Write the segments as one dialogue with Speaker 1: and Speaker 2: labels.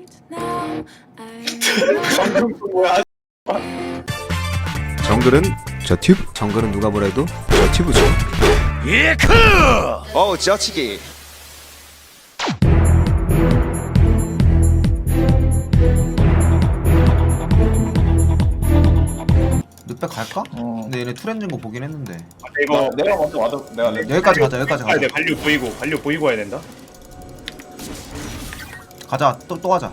Speaker 1: 방금 그 뭐야?
Speaker 2: 정글은 저 튜브. 정글은 누가 뭐래도 저 튜브죠. 예크! 어우 지어치기.
Speaker 3: 늑백 갈까? 근데 얘네 투렌즈인 거 보긴 했는데.
Speaker 1: 이거 내가 먼저 와도 내가
Speaker 3: 여기까지 가자. 여기까지
Speaker 4: 아,
Speaker 3: 가자.
Speaker 4: 네, 관료 보이고 와야 된다.
Speaker 3: 가자. 또 가자.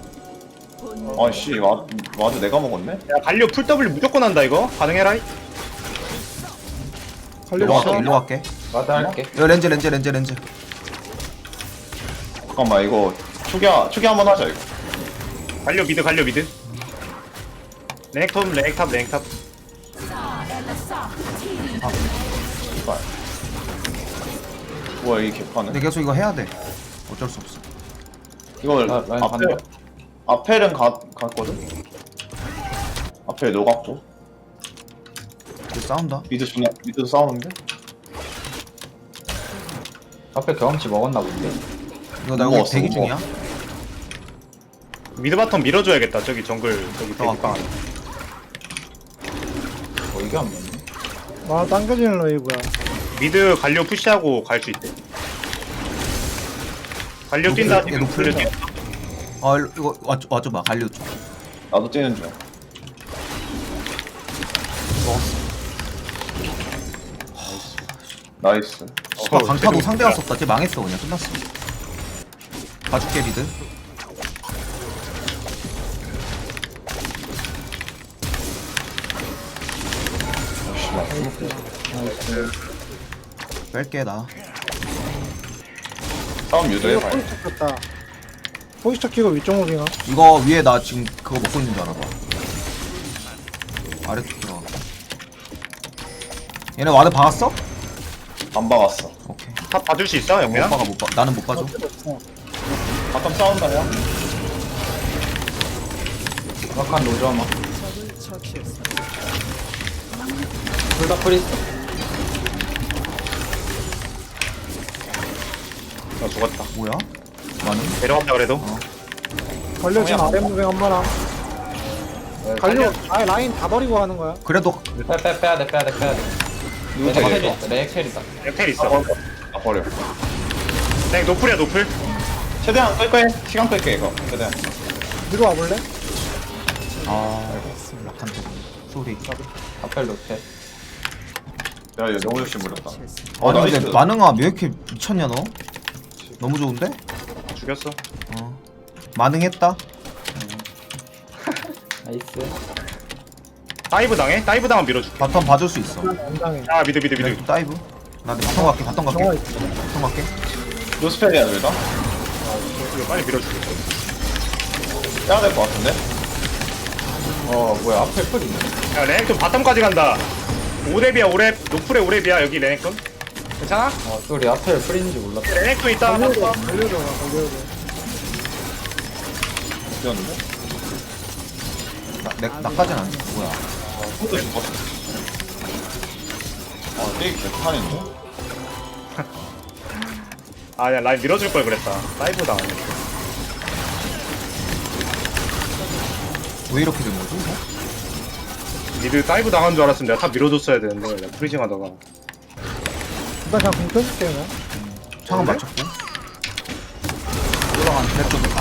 Speaker 1: 아씨 와도 내가 먹었네?
Speaker 4: 야, 관료 풀 W 무조건 한다 이거. 가능해라.
Speaker 3: 일로 갈게. 일로 갈게.
Speaker 5: 맞아 할게.
Speaker 3: 여기 렌즈.
Speaker 1: 잠깐만 이거 초기 한번 하자 이거.
Speaker 4: 관료 미드. 랭탑.
Speaker 1: 씨발. 뭐야 이 개판은?
Speaker 3: 근데 계속 이거 해야 돼. 어쩔 수 없어.
Speaker 1: 이거
Speaker 5: 라인 간다.
Speaker 1: 앞에는 갔거든? 앞에 녹았고
Speaker 3: 이거 싸운다.
Speaker 1: 미드도 싸우는데?
Speaker 5: 앞에 경험치 먹었나 본데.
Speaker 3: 이거 나
Speaker 1: 뭐
Speaker 3: 여기
Speaker 1: 없어,
Speaker 3: 대기
Speaker 1: 뭐.
Speaker 3: 중이야.
Speaker 4: 미드 바텀 밀어줘야겠다. 저기 정글 저기 대기방.
Speaker 5: 이게 안 맞네.
Speaker 6: 와 당겨지는 러이브야.
Speaker 4: 미드 관료 푸시하고 갈 수 있대. 관료 뛴다.
Speaker 3: 얘 노플.
Speaker 4: 관료 뛴다.
Speaker 3: 이거 와줘봐. 갈려 줘.
Speaker 1: 나도 뛰는 중. 나이스.
Speaker 3: 강타도 상대가 썼다. 쟤 망했어 그냥 끝났어. 봐줄게 미드. 뺄게 나.
Speaker 1: 싸움 유도해
Speaker 6: 이거
Speaker 1: 봐요.
Speaker 6: 포지터 켰다. 포지터 키고 위쪽 무빙아.
Speaker 3: 이거 위에 나 지금 그거 먹고 있는 줄 알아봐. 아래쪽 들어가. 얘네 와드 박았어?
Speaker 1: 안 박았어.
Speaker 3: 오케이.
Speaker 4: 탑 봐줄 수 있어
Speaker 3: 못
Speaker 4: 영배야?
Speaker 3: 박아 못 봐. 나는 못 봐줘.
Speaker 1: 바텀 싸운다 야.
Speaker 5: 정확한 노점아. 둘다 프리스.
Speaker 4: 나 죽었다.
Speaker 3: 뭐야? 나는
Speaker 4: 내려왔다 그래도.
Speaker 6: 걸려 지금 아래 무빙 한 번아. 갈려. 아예 라인 다 버리고 하는 거야.
Speaker 3: 그래도
Speaker 5: 빼야 돼. 레엑셀이다.
Speaker 4: 텔 있어.
Speaker 1: 아 버려.
Speaker 4: 땡 노플이야 노플.
Speaker 1: 최대한 끌 거야. 시간 끌게 이거. 최대한.
Speaker 6: 뒤로 와볼래?
Speaker 3: 약한 쪽 소리.
Speaker 5: 앞에 로테.
Speaker 1: 야 이거 너무 욕심 부렸다.
Speaker 3: 아니
Speaker 1: 나이스.
Speaker 3: 근데 만능아 왜 이렇게 미쳤냐 너? 너무 좋은데?
Speaker 4: 죽였어.
Speaker 3: 만능했다.
Speaker 5: 나이스.
Speaker 4: 다이브 당해? 다이브 당하면 밀어줄게.
Speaker 3: 바텀 봐줄 수 있어.
Speaker 6: 안 당해.
Speaker 4: 아 미드.
Speaker 3: 네, 다이브. 나 바텀 갈게.
Speaker 6: 정화
Speaker 3: 바텀
Speaker 6: 있어.
Speaker 3: 갈게.
Speaker 1: 노스펠이야 둘 다?
Speaker 4: 이거 빨리 밀어줄게.
Speaker 1: 빼야 될 것 같은데?
Speaker 5: 뭐야 앞에 풀 있네.
Speaker 4: 야 레넥톤 바텀까지 간다. 5렙이야 5렙. 노플에 5렙이야 여기 레넥톤. 괜찮아?
Speaker 5: 소리 앞에 풀인지 몰랐다.
Speaker 4: 레넥톤 있다.
Speaker 6: 걸려줘.
Speaker 4: 바텀.
Speaker 6: 걸려줘.
Speaker 1: 뛰었는데?
Speaker 3: 나까지는 안 돼. 뭐야?
Speaker 1: 또 죽었어. 아 되게 개판인데?
Speaker 4: 아야 라인 밀어줄 걸 그랬다. 다이브 당하네.
Speaker 3: 왜 이렇게 된 거지?
Speaker 4: 미드 다이브 당한 줄 알았으면 내가 탑 밀어줬어야 되는데 내가 프리징 하다가.
Speaker 6: 일단 그냥 공 켜줄게 그냥.
Speaker 3: 창은 맞췄고. 올라간 랩도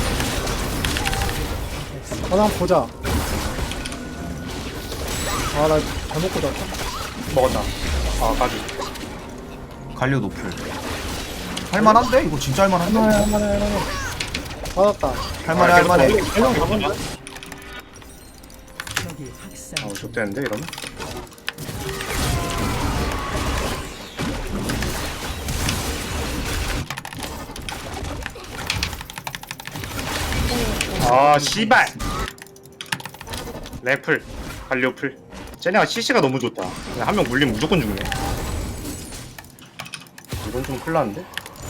Speaker 6: 한번 보자. 아나 잘못 꽂았다.
Speaker 4: 먹었다. 아 가지.
Speaker 3: 갈려 노플. 할만한데? 이거 진짜 할만한데?
Speaker 6: 할만해. 받았다.
Speaker 3: 할만해.
Speaker 6: 대형 가본다.
Speaker 4: 아 좋대는데 이러면. 아 씨발. 래플 갈리오플. 쟤네가 CC가 너무 좋다. 한 명 물리면 무조건 죽네. 이건 좀 큰일 났는데?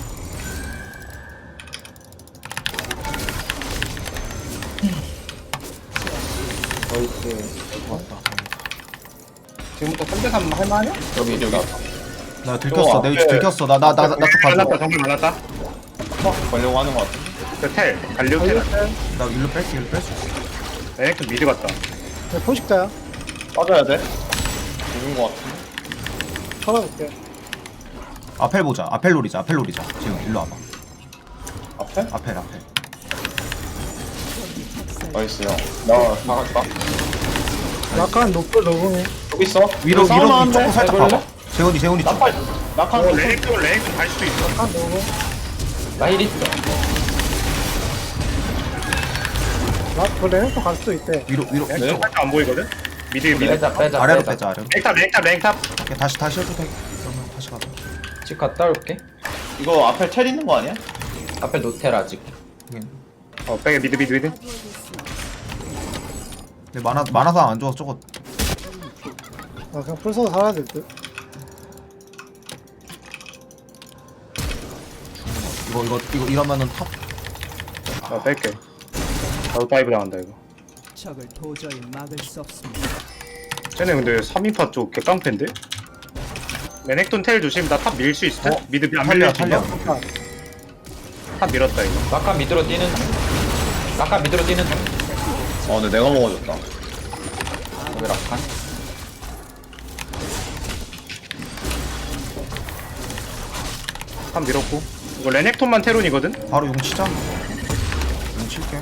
Speaker 5: 나이스.
Speaker 4: 지금부터 3대3 할만하냐?
Speaker 5: 여기
Speaker 3: 나 들켰어. 내 위치
Speaker 1: 앞에-
Speaker 3: 들켰어. 나쪽 봐줘.
Speaker 4: 말랐다 정말 말랐다.
Speaker 1: 걸려고 하는 것 같은데?
Speaker 4: 텔 갈리오 텔
Speaker 3: 나 일로 뺄게 일로 뺄 수 있어.
Speaker 4: 레넥톤 미드 갔다.
Speaker 6: 네, 포식자야.
Speaker 1: 빠져야 돼. 죽은 거 같은데.
Speaker 6: 쳐다볼게.
Speaker 3: 아펠 보자. 아펠 노리자. 아펠 노리자. 지금 일로 와봐.
Speaker 1: 앞에?
Speaker 3: 아펠.
Speaker 1: 나이스 형. 나 나갈까?
Speaker 6: 약간 높을 녹음이.
Speaker 1: 여기 있어.
Speaker 3: 위로
Speaker 1: 싸우면
Speaker 3: 위로
Speaker 1: 안 돼.
Speaker 3: 조금 살짝
Speaker 5: 해볼래?
Speaker 3: 봐봐. 재훈이 쪽.
Speaker 1: 나팔. 낙한
Speaker 4: 레넥톤 갈 수도 있어.
Speaker 6: 약간 녹음.
Speaker 5: 나힐 있어.
Speaker 6: 그 레넥도 갈 수도 있대.
Speaker 3: 위로.
Speaker 4: 레넥톤 살짝 안 보이거든. 미드.
Speaker 5: 빼자.
Speaker 3: 아래로 빼자 아래로.
Speaker 4: 랭탑.
Speaker 3: 오케이, 다시 해도 돼. 그러면 다시 가자.
Speaker 5: 집 갔다 올게.
Speaker 1: 이거 앞에 텔 있는 거 아니야?
Speaker 5: 아펠 노텔 아직.
Speaker 4: 빼게 미드.
Speaker 3: 근데 만화상 안 좋아서 저거
Speaker 6: 아, 그냥 풀 써서 살아야 될 듯.
Speaker 3: 이거 이러면은 탑.
Speaker 4: 뺄게. 나도 다이브 당한다 이거.
Speaker 7: 적을 도저히 막을 수 없습니다.
Speaker 4: 쟤네 근데 3인파 쪽 개깡패인데? 레넥톤 텔 조심. 나 탑 밀 수 있을 듯? 미드 안 밀려.
Speaker 3: 탈려.
Speaker 4: 탑 밀었다 이거.
Speaker 5: 낙하 밑으로 뛰는 중. 낙하 밑으로 뛰는 중.
Speaker 1: 근데 내가 먹어줬다.
Speaker 5: 여기 낙하.
Speaker 4: 탑 밀었고. 이거 레넥톤만 테론이거든?
Speaker 3: 바로 용 치자. 용 칠게.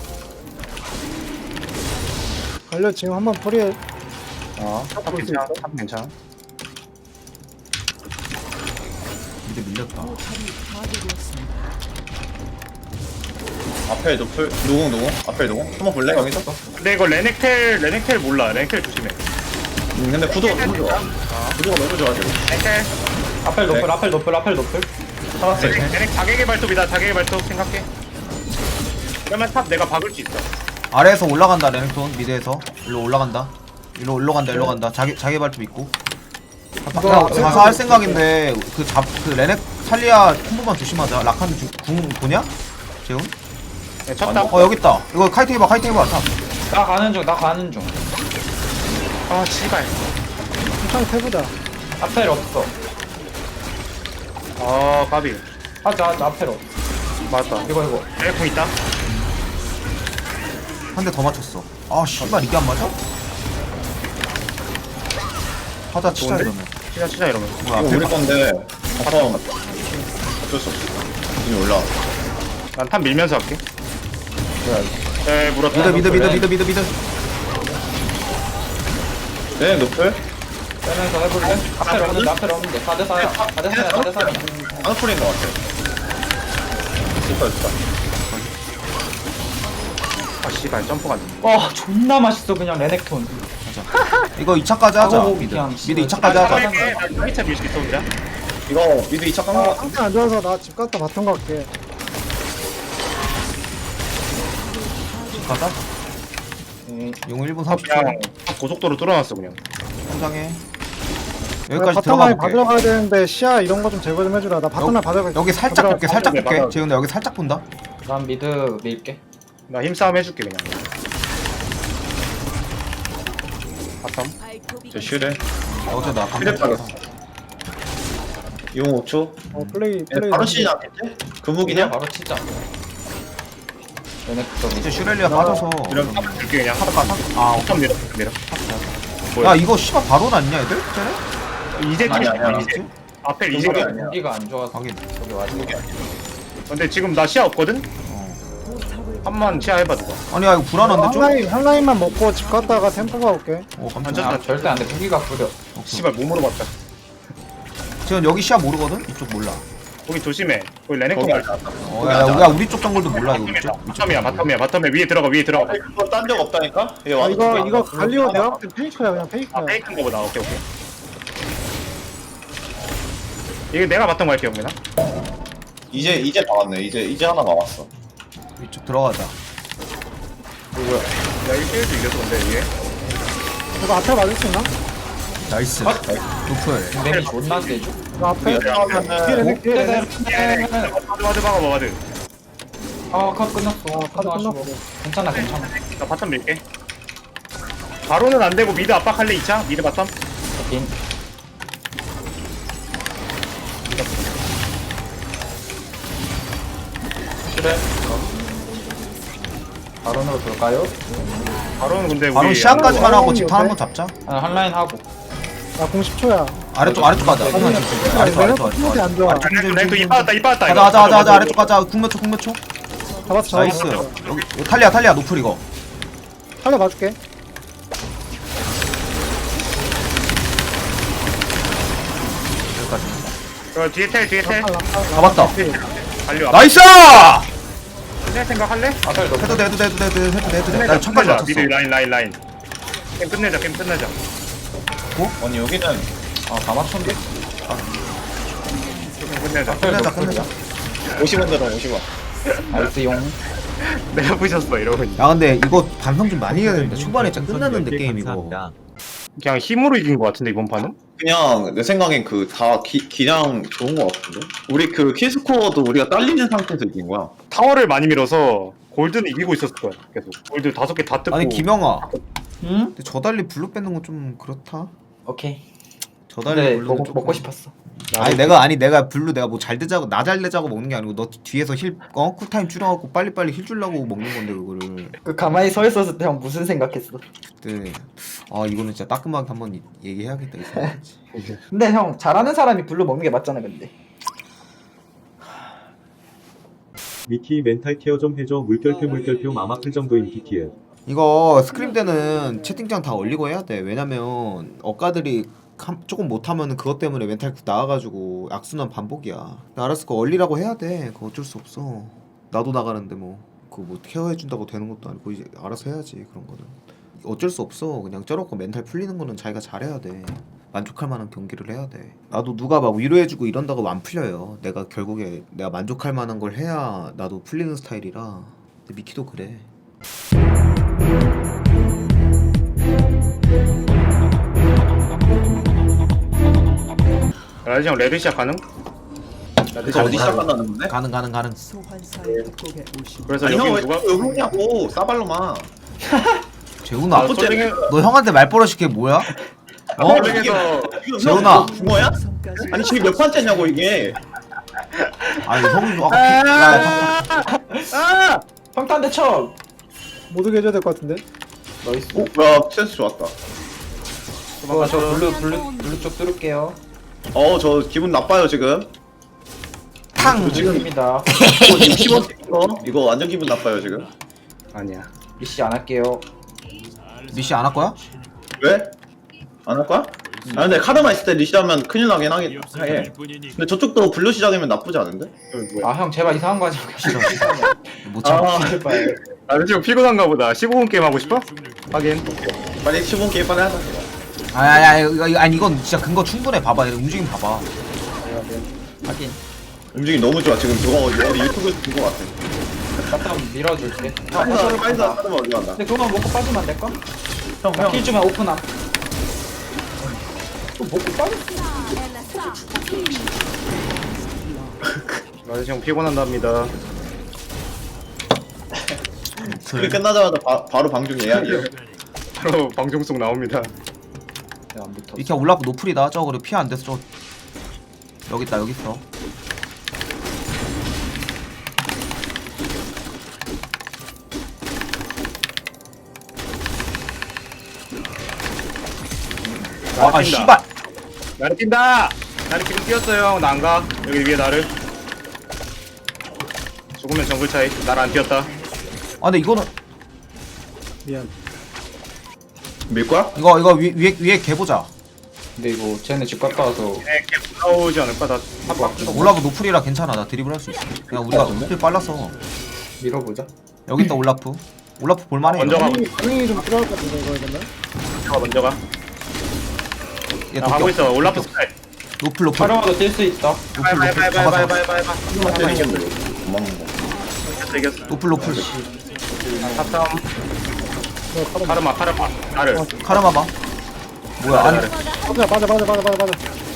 Speaker 6: 갈려 지금 한번 풀이.
Speaker 4: 탑 괜찮아.
Speaker 3: 미드 밀렸다.
Speaker 1: 앞에 노플 노공. 앞에 노공. 한번 볼래 여기서?
Speaker 4: 근데 이거 레넥텔 몰라. 레넥텔 조심해.
Speaker 1: 근데 구도가 너무 좋아. 구도가 너무 좋아 지금.
Speaker 4: 레넥텔.
Speaker 5: 아펠 노플.
Speaker 1: 살았어.
Speaker 4: 레넥 자객의 발톱이다. 자객의 발톱 생각해. 그러면 탑 내가 박을 수 있어.
Speaker 3: 아래에서 올라간다 레넥톤 미드에서 일로 올라간다. 일로 간다. 자기 발톱 있고. 가서 할 생각인데 그 레넥 탈리아 콤보만 조심하자. 라칸 궁 보냐? 재훈?
Speaker 4: 네, 첫 탑.
Speaker 3: 여기 있다. 이거 카이팅 해봐. 탑.
Speaker 5: 나 가는 중.
Speaker 4: 아 씨발.
Speaker 6: 천천히 해보자.
Speaker 5: 아펠 없어.
Speaker 4: 아 까비.
Speaker 5: 하자 아펠 없어.
Speaker 4: 맞다.
Speaker 5: 이거.
Speaker 4: 레넥톤 있다.
Speaker 3: 한 대 더 맞췄어. 아 씨발 이게 안 맞아? 하자 치자
Speaker 4: 좋은데?
Speaker 3: 이러면.
Speaker 4: 치자 이러면.
Speaker 3: 뭐야
Speaker 1: 이거
Speaker 3: 앞에
Speaker 1: 우리 건데 바텀 어쩔 수 없어. 이미 올라.
Speaker 4: 난 탑 밀면서 할게. 네 물었다.
Speaker 3: 미드.
Speaker 1: 네 노플.
Speaker 5: 빼면서 해볼래? 아펠 없는데 4대4야. 4대4야.
Speaker 1: 안풀인 거 같아. 좋다.
Speaker 4: 아 씨발 점프가 안 돼.
Speaker 5: 와 존나 맛있어 그냥 레넥톤.
Speaker 3: 이거 2차까지 하자.
Speaker 5: 아우,
Speaker 3: 미드
Speaker 5: 그냥
Speaker 3: 미드
Speaker 5: 씨발.
Speaker 3: 2차까지 하자.
Speaker 4: 할게. 나 2차 밀 수 있어 혼자.
Speaker 1: 이거 미드 2차 깐거 같아.
Speaker 6: 상태 안 좋아서 나 집 갔다 바텀 갈게.
Speaker 3: 가자. 용 1분 30초.
Speaker 4: 그냥 고속도로 뚫어놨어 그냥.
Speaker 3: 성장해. 여기까지
Speaker 6: 바텀
Speaker 3: 들어가
Speaker 6: 라인
Speaker 3: 볼게.
Speaker 6: 받으러 가야 되는데 시야 이런 거 좀 제거 좀 해주라. 나 바텀 라인 받으러
Speaker 3: 여기 살짝 볼게. 살짝
Speaker 4: 네,
Speaker 3: 볼게.
Speaker 4: 맞아.
Speaker 3: 재훈아 여기 살짝 본다.
Speaker 5: 난 미드 밀게.
Speaker 4: 나 힘싸움 해줄게 그냥. 바텀.
Speaker 1: 저 슈레.
Speaker 3: 어제 나
Speaker 1: 슈레
Speaker 3: 감독.
Speaker 1: 빠졌어. 용 5초.
Speaker 6: 플레이.
Speaker 1: 바로 시즌 앞인데? 금묵이냐?
Speaker 5: 바로 치자. 레넥톤
Speaker 3: 이제 슈렐리아 빠져서.
Speaker 4: 이런 탑 줄게 그냥.
Speaker 3: 아
Speaker 4: 바텀 밀어.
Speaker 3: 야 이거 씨발 바로 났냐 애들? 쟤네?
Speaker 4: 이제
Speaker 1: 아니야,
Speaker 4: 팀
Speaker 1: 아니야.
Speaker 4: 이제. 앞에
Speaker 1: 금묵이
Speaker 4: 이제가.
Speaker 1: 아니야.
Speaker 5: 무기가 안 좋아서
Speaker 3: 확인.
Speaker 5: 여기 와지고.
Speaker 4: 근데 지금 나 시야 없거든? 한번 시야 해봐 누가.
Speaker 3: 아니야 이거 불안한데 좀?
Speaker 6: 한 라인만 먹고 집 갔다가 템포가 올게.
Speaker 3: 어
Speaker 4: 앉았다.
Speaker 3: 깜짝이야.
Speaker 5: 아, 절대 안돼 무기가 구려.
Speaker 4: 씨발 몸으로 봤다.
Speaker 3: 지금 여기 시야 모르거든? 이쪽 몰라.
Speaker 4: 거기 조심해. 거기 레넥톤
Speaker 1: 거기
Speaker 4: 갈.
Speaker 1: 아니야.
Speaker 3: 야 우리 쪽 정글도 몰라 이거 이쪽.
Speaker 4: 바텀이야. 위에 들어가.
Speaker 1: 이거 딴 적 없다니까? 얘
Speaker 6: 아,
Speaker 1: 와서
Speaker 6: 이거 갈리오 내가 볼때 페이크야 그냥 페이크야.
Speaker 4: 아 페이크인 거보다. 오케이. 이게 내가 바텀 갈게 형민아.
Speaker 1: 이제 나왔네. 이제 하나 남았어.
Speaker 3: 이쪽 들어가자.
Speaker 4: 야 1대1도 이겼어 근데 이게.
Speaker 6: 이거 앞에 맞을 수 있나?
Speaker 3: 나이스. 노플.
Speaker 5: 데미 존나 세죠.
Speaker 6: 이거 앞에.
Speaker 1: 이거 들어가면은
Speaker 6: 뒤에 레넥.
Speaker 4: 와드 박아 와드.
Speaker 5: 아컷 끝났어.
Speaker 6: 카드 끝났어.
Speaker 5: 괜찮아.
Speaker 4: 나 바텀 밀게. 바로는 안 되고 미드 압박할래 2차? 미드 바텀?
Speaker 5: 인.
Speaker 4: 그래.
Speaker 5: 바론으로 돌까요?
Speaker 4: 바로는 근데
Speaker 3: 바로
Speaker 4: 우리
Speaker 3: 시야까지만 하고
Speaker 6: 아니,
Speaker 3: 집탄 한번 잡자.
Speaker 5: 아, 한 라인 하고.
Speaker 6: 나공 10초야.
Speaker 3: 아래쪽 가자. 아래쪽.
Speaker 6: 스무디 안 좋아.
Speaker 4: 랭크 이 빠졌다 이 빠졌다.
Speaker 3: 가자. 아래쪽 가자. 국몇 초.
Speaker 6: 잡았어.
Speaker 3: 나이스. 여기 탈리아 노플 이거.
Speaker 6: 살려 봐줄게.
Speaker 3: 여기까지.
Speaker 4: 뒤에 텔.
Speaker 3: 잡았다.
Speaker 4: 달려.
Speaker 3: 나이스!
Speaker 4: 텔 생각할래?
Speaker 5: 아살 높.
Speaker 3: 해도 돼. 나 천까지 맞췄어.
Speaker 4: 미드 라인. 게임 끝내자.
Speaker 1: 아니 여기는
Speaker 5: 아다 맞췄네.
Speaker 4: 게임 끝내자.
Speaker 3: 끝내자.
Speaker 1: 50원 들어 50원.
Speaker 5: 알스용.
Speaker 4: 내가 부셨어 이러고 있네.
Speaker 3: 야 근데 이거 반성 좀 많이 해야 되는데 초반에 진짜 끝났는데 게임 이거.
Speaker 4: 그냥 힘으로 이긴 것 같은데 이번 판은?
Speaker 1: 그냥 내 생각엔 그 다 기량 좋은 거 같은데. 우리 그 킬스코어도 우리가 딸리는 상태에서 이긴 거야.
Speaker 4: 타워를 많이 밀어서 골드는 이기고 있었을 거야 계속. 골드 5개 다 뜯고.
Speaker 3: 아니 김영아.
Speaker 5: 응?
Speaker 3: 근데 저 달리 블루 뺏는 건 좀 그렇다.
Speaker 5: 오케이.
Speaker 3: 저 달리
Speaker 5: 근데
Speaker 3: 블루는
Speaker 5: 먹고
Speaker 3: 조금-
Speaker 5: 싶었어.
Speaker 3: 내가 블루 내가 뭐 잘 되자고 나 잘 되자고 먹는 게 아니고 너 뒤에서 쿨타임 줄여갖고 빨리빨리 힐 주려고 먹는 건데 그거를.
Speaker 5: 그 가만히 서 있었을 때 형 무슨 생각했어?
Speaker 3: 그때 아 이거는 진짜 따끔하게 한번 얘기해야겠다 이 생각했지.
Speaker 5: 근데 형 잘하는 사람이 블루 먹는 게 맞잖아 근데.
Speaker 8: 미키 멘탈 케어 좀 해줘. 물결표 마마클 정도인 PTL.
Speaker 3: 이거 스크림 때는 채팅창 다 올리고 해야 돼. 왜냐면 억가들이 조금 못하면 그것 때문에 멘탈 나와가지고 악순환 반복이야. 알았어, 그거 얼리라고 해야 돼. 그거 어쩔 수 없어. 나도 나가는데 뭐 그거 뭐 케어해준다고 되는 것도 아니고 이제 알아서 해야지 그런 거는. 어쩔 수 없어. 그냥 저렇고 멘탈 풀리는 거는 자기가 잘해야 돼. 만족할 만한 경기를 해야 돼. 나도 누가 막 위로해주고 이런다고 안 풀려요. 내가 결국에 내가 만족할 만한 걸 해야 나도 풀리는 스타일이라. 근데 미키도 그래.
Speaker 4: 라이즈 형 레드 시작 가능?
Speaker 1: 그래서 어디 시작한다는 건데?
Speaker 3: 가능.
Speaker 7: 소환사의 협곡에 오신
Speaker 4: 그래서
Speaker 1: 아니
Speaker 4: 여기
Speaker 1: 형왜
Speaker 4: 누가
Speaker 1: 여기 오냐고 싸발로만.
Speaker 3: 재훈아,
Speaker 4: 아, 솔랭에
Speaker 3: 너 형한테 말버릇이 그게 뭐야? 어?
Speaker 4: 솔랭에서
Speaker 3: 재훈아.
Speaker 1: 붕어야?
Speaker 7: 성까지
Speaker 1: 아니 지금 몇 판째냐고 이게.
Speaker 3: 아니 형이 아까
Speaker 4: 아!
Speaker 5: 평탄대 쳐.
Speaker 6: 못 오게 해줘야 될 것 같은데.
Speaker 5: 나이스.
Speaker 1: 오, 야 센스 좋았다.
Speaker 5: 저 블루 쪽 뚫을게요.
Speaker 1: 저 기분 나빠요 지금.
Speaker 3: 탕.
Speaker 5: 지금입니다.
Speaker 1: 60원 이거 완전 기분 나빠요 지금.
Speaker 4: 아니야.
Speaker 5: 미시 안 할게요.
Speaker 3: 미시 안 할 거야?
Speaker 1: 왜? 안 할 거야? 아 근데 카드만 있을 때 리시하면 큰일 나긴 하겠 해. 근데 저쪽도 블루 시작이면 나쁘지 않은데?
Speaker 4: 이거 뭐야?
Speaker 5: 아 형 제발 이상한 거 하지 마.
Speaker 3: 못 참아.
Speaker 1: 아
Speaker 5: 제발.
Speaker 4: 아 지금 피곤한가 보다. 15분 게임 하고 싶어? 하긴.
Speaker 1: 빨리 15분 게임 빨리 하자.
Speaker 3: 아니 이건 진짜 근거 충분해. 봐봐, 움직임 봐봐.
Speaker 5: 하긴.
Speaker 1: 움직임 너무 좋아 지금. 저거 어디 유튜브에서 본 거 같아.
Speaker 5: 바텀 밀어줄게.
Speaker 1: 빨리 카드만 올라간다.
Speaker 5: 근데 그거만 먹고 빠지면 안 될까?
Speaker 1: 형
Speaker 5: 킬 주면 오픈함. 또 먹고 빠졌어.
Speaker 4: 라이즈 형 피곤한답니다.
Speaker 1: 그게 끝나자마자 바로 방중 예약이에요.
Speaker 4: 바로 방송 속 나옵니다.
Speaker 5: 안 붙어.
Speaker 3: 이렇게 올라프 노플이다. 저거 그래 피해 안 돼서 저 여기 있다. 여기 있어. 아 씨발.
Speaker 4: 나를 뛴다. 나를 지금 뛰었어요. 나 안 가. 여기 위에 나를. 죽으면 정글 차이. 나를 안 뛰었다.
Speaker 3: 아 근데 이거는
Speaker 6: 미안.
Speaker 1: 밀 거야?
Speaker 3: 이거 위에 개 보자.
Speaker 5: 근데 이거 쟤네 집 갔다 와서
Speaker 4: 네, 계속 나오지 않을까? 나 탑박.
Speaker 3: 올라프 노플이라 괜찮아. 나 드리블 할 수 있어. 그냥 우리가 스킬 빨라서.
Speaker 5: 밀어보자.
Speaker 3: 여기 있다 올라프. 올라프 볼만해.
Speaker 4: 먼저 가.
Speaker 6: 반응이 좀 필요할 것 같은데 이거 이러면.
Speaker 4: 먼저 가.
Speaker 3: 얘
Speaker 4: 나 가고 있어. 올라프 스타일.
Speaker 3: 노플.
Speaker 5: 촬영하도 뛸 수 있다.
Speaker 3: 잡아.
Speaker 1: 도망간 거.
Speaker 4: 이겼어.
Speaker 3: 노플.
Speaker 4: 탑 카르마. 나를.
Speaker 3: 카르마 봐. 뭐야? 아니
Speaker 6: 맞아.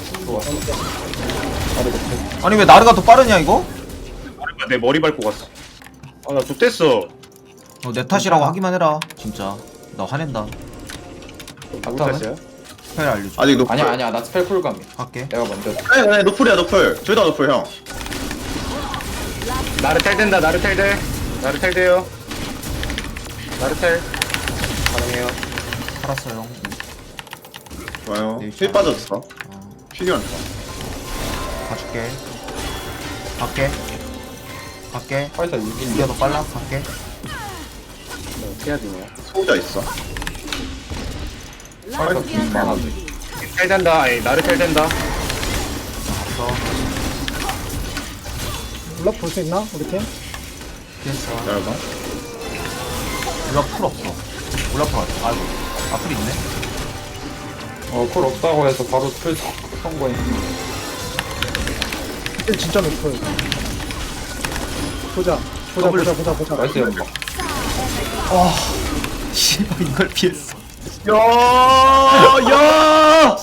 Speaker 3: 아니 왜 나르가 더 빠르냐 이거?
Speaker 4: 카르마 내 머리 밟고 갔어. 아, 나 좋댔어.
Speaker 3: 내 탓이라고 하기만 해라. 진짜 나 화낸다.
Speaker 4: 누구 탓이야?
Speaker 3: 스펠 알려줘.
Speaker 1: 아직 노플.
Speaker 5: 아니야 나 스펠 쿨감이야.
Speaker 3: 할게.
Speaker 5: 내가 먼저.
Speaker 1: 네 노플이야 노플. 둘 다 노플 형.
Speaker 4: 나를 텔 된다. 나를 텔 돼요. 나르텔 가능해요.
Speaker 3: 살았어요.
Speaker 1: 좋아요.
Speaker 3: 네,
Speaker 1: 힐 빠졌어. 필요한 거.
Speaker 3: 가줄게. 갈게.
Speaker 5: 파이터 6인
Speaker 3: 이게 더 빨라. 갈게.
Speaker 4: 어떻게 해야 되냐.
Speaker 1: 소자 있어.
Speaker 5: 파이터 좀 많아도
Speaker 4: 텔 된다. 아니 나르텔 된다.
Speaker 3: 없어.
Speaker 6: 블럭 볼 수 있나? 우리 팀?
Speaker 3: 됐어.
Speaker 1: 기다려봐.
Speaker 3: 올라프 풀 없어. 올라프 가자. 아이고. 풀 있네.
Speaker 5: 콜 없다고 해서 바로 풀 선거해.
Speaker 6: 이때 진짜 높을. 보자.
Speaker 5: 나이스 연막.
Speaker 3: 씨발 이걸 피했어.
Speaker 1: 야!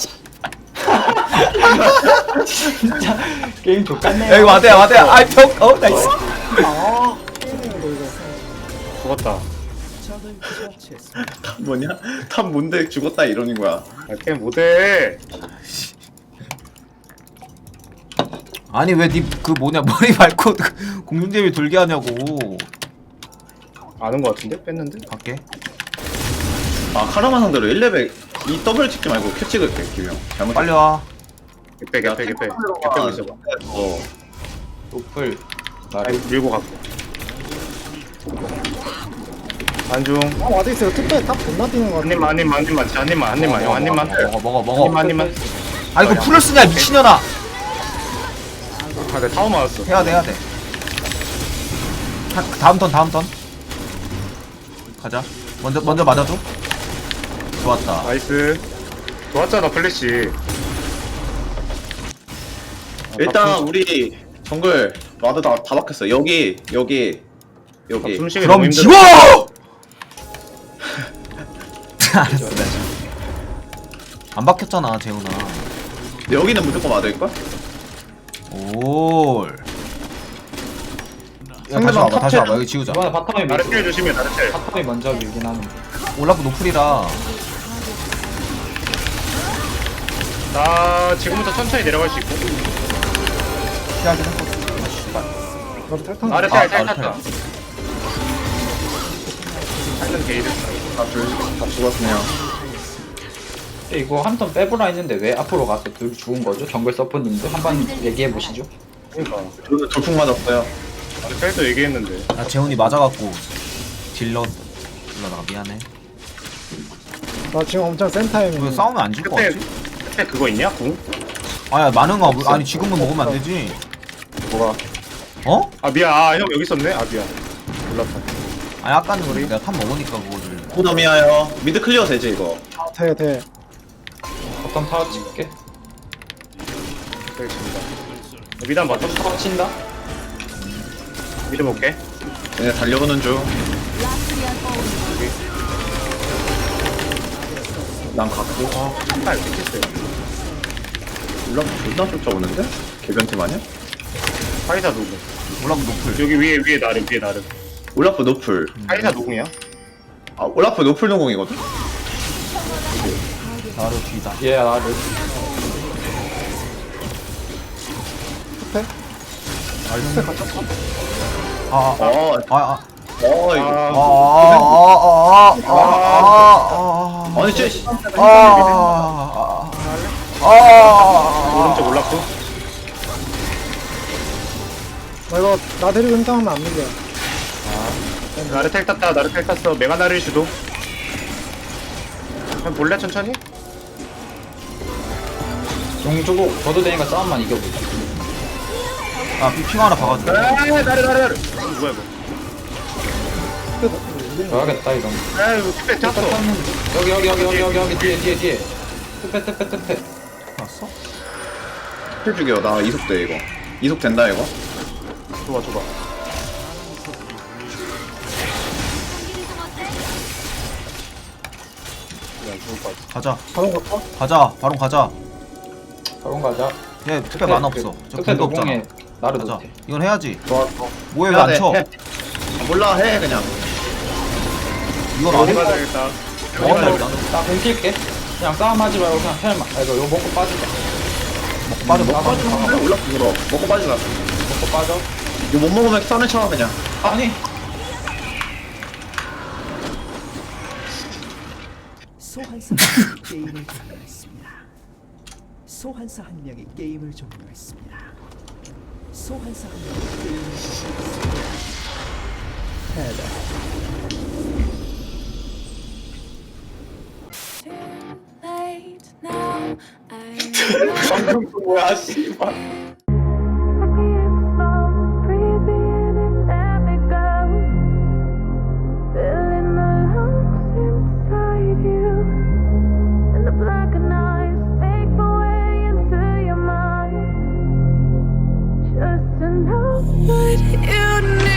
Speaker 5: 게임 족같네.
Speaker 3: 야 이거 와대야. 아이 벽. 나이스.
Speaker 4: 죽었다.
Speaker 7: 적을 처치했습니다.
Speaker 1: 뭐냐? 탑 뭔데 죽었다 이러는 거야.
Speaker 4: 아, 게임 못해.
Speaker 3: 아니 왜 니 그 뭐냐 머리 밟고 공중제비 돌게 하냐고.
Speaker 4: 아는 거 같은데? 뺐는데?
Speaker 3: 갈게.
Speaker 1: 아 카라마 상대로 1레벨 이 더블 찍지 말고 큐 찍을게 기명. 잘못.
Speaker 3: 빨리 와.
Speaker 4: 개패 있어봐.
Speaker 5: 노플.
Speaker 4: 아니 밀고 갈게. 안중.
Speaker 6: 와드 있어요. 특별 탑 존나 뛰는 거 같아.
Speaker 4: 한 입만 진짜 한 입만 형 한 입만
Speaker 3: 먹어.
Speaker 4: 한 입만.
Speaker 3: 아 이거 풀을 쓰냐 미친년아.
Speaker 4: 아, 내 타워 맞았어.
Speaker 3: 해야 돼. 다음 턴. 가자. 먼저 맞아줘. 좋았다.
Speaker 4: 나이스. 좋았잖아 플래시.
Speaker 1: 일단 우리 정글 와드 다 박혔어. 여기.
Speaker 4: 숨쉬기
Speaker 3: 그럼
Speaker 4: 너무 힘들어.
Speaker 3: 지워! 알았어. 안 박혔잖아 재훈아.
Speaker 1: 여기는 무조건 와드일걸?
Speaker 3: 올. 야, 다시 와봐. 여기 지우자.
Speaker 5: 이번에 바텀이
Speaker 4: 나르텔 조심해 나르텔.
Speaker 5: 바텀이 먼저 밀긴 하는데.
Speaker 3: 올라프 노플이라.
Speaker 4: 나 지금부터 천천히 내려갈 수 있고.
Speaker 3: 피하긴 했거든.
Speaker 6: 그럼 탈탄.
Speaker 4: 나르텔 탈
Speaker 3: 나르텔.
Speaker 4: 탔다. 탈은 게이드.
Speaker 1: 다 죽었네요.
Speaker 5: 근데 이거 한 턴 빼보라 했는데 왜 앞으로 가서 둘 죽은 거죠? 정글 서포님들 한번 얘기해 보시죠.
Speaker 4: 그러니까.
Speaker 1: 저는 돌풍 맞았어요.
Speaker 4: 나르텔도 얘기했는데.
Speaker 3: 나 재훈이 맞아갖고 딜러 나가 미안해.
Speaker 6: 나 지금 엄청 센 타임이야.
Speaker 3: 왜 싸우면 안 질 것
Speaker 4: 그때
Speaker 3: 같지?
Speaker 4: 그때 그거 있냐? 궁?
Speaker 3: 아야 많은가? 아니 지금은 먹으면 안 되지.
Speaker 4: 뭐가?
Speaker 3: 어?
Speaker 4: 아 미안. 형 여기 있었네. 아 미안. 몰랐다.
Speaker 3: 아니 아까는 내가 탑 먹으니까 그거를.
Speaker 1: 호덤이야요. 미드 클리어 되지 이거.
Speaker 6: 돼.
Speaker 5: 바텀 타워 찍게.
Speaker 4: 되겠습니다. 미단 맞다.
Speaker 5: 바텀 타워 친다?
Speaker 4: 미드 볼게.
Speaker 1: 얘네 달려오는 중. 난 갖고.
Speaker 4: 한발 찍혔어요.
Speaker 1: 올라 존나 쫓아오는데? 개변팀 아니야?
Speaker 4: 파이사 누구?
Speaker 3: 올라프 노플.
Speaker 4: 여기 위에 나름.
Speaker 1: 올라프 노플.
Speaker 4: 파이사 누구냐?
Speaker 1: 아 올라프 노플 노공이거든?
Speaker 3: 나로 뒤다.
Speaker 5: 얘 나를.
Speaker 1: 이거. 아니 쟤
Speaker 4: 오른쪽 올랐고.
Speaker 6: 나 이거 나 데리고 힘싸움하면 안 밀려.
Speaker 4: 나르텔 탔다. 나르텔 탔어. 메가나를 주도. 그냥 볼래 천천히?
Speaker 5: 용 주고 줘도 되니까 싸움만 이겨보자.
Speaker 3: 아 핑 하나 박아줘.
Speaker 4: 나르. 뭐야 이거?
Speaker 5: 줘야겠다 이건.
Speaker 4: 아유 투패 탔어.
Speaker 5: 여기 뒤에. 뜨빼.
Speaker 3: 봤어?
Speaker 1: 힐 죽여. 나 이속돼 이거. 이속 된다 이거.
Speaker 4: 좋아.
Speaker 3: 가자.
Speaker 6: 바로 갈까?
Speaker 3: 바로 가자.
Speaker 5: 바로 가자.
Speaker 3: 얘 특별 만화 없어. 저
Speaker 5: 뜨빼
Speaker 3: 공도 없잖아.
Speaker 5: 노공에 나를
Speaker 3: 가자.
Speaker 5: 못해.
Speaker 3: 이건 해야지.
Speaker 1: 좋아.
Speaker 3: 뭐해 왜 안 쳐?
Speaker 1: 해. 몰라 해 그냥.
Speaker 3: 이건 안 해?
Speaker 4: 가야겠다.
Speaker 5: 나 공킬게. 그냥 싸움하지 말고 그냥 헬마. 아 이거 먹고 빠지자.
Speaker 3: 빠져.
Speaker 1: 그래 올라프 물어. 먹고 빠지라.
Speaker 5: 먹고 빠져.
Speaker 1: 이거 못 먹으면 썰을 쳐 그냥.
Speaker 5: 아니.
Speaker 7: 소환사 한 명이 게임을 종료했습니다. 소환사 한 명이 게임을 종료했습니다. 소환사 한 명이 게임을 종료했습니다.
Speaker 1: 방금 그 뭐야 씨발.
Speaker 9: What you need.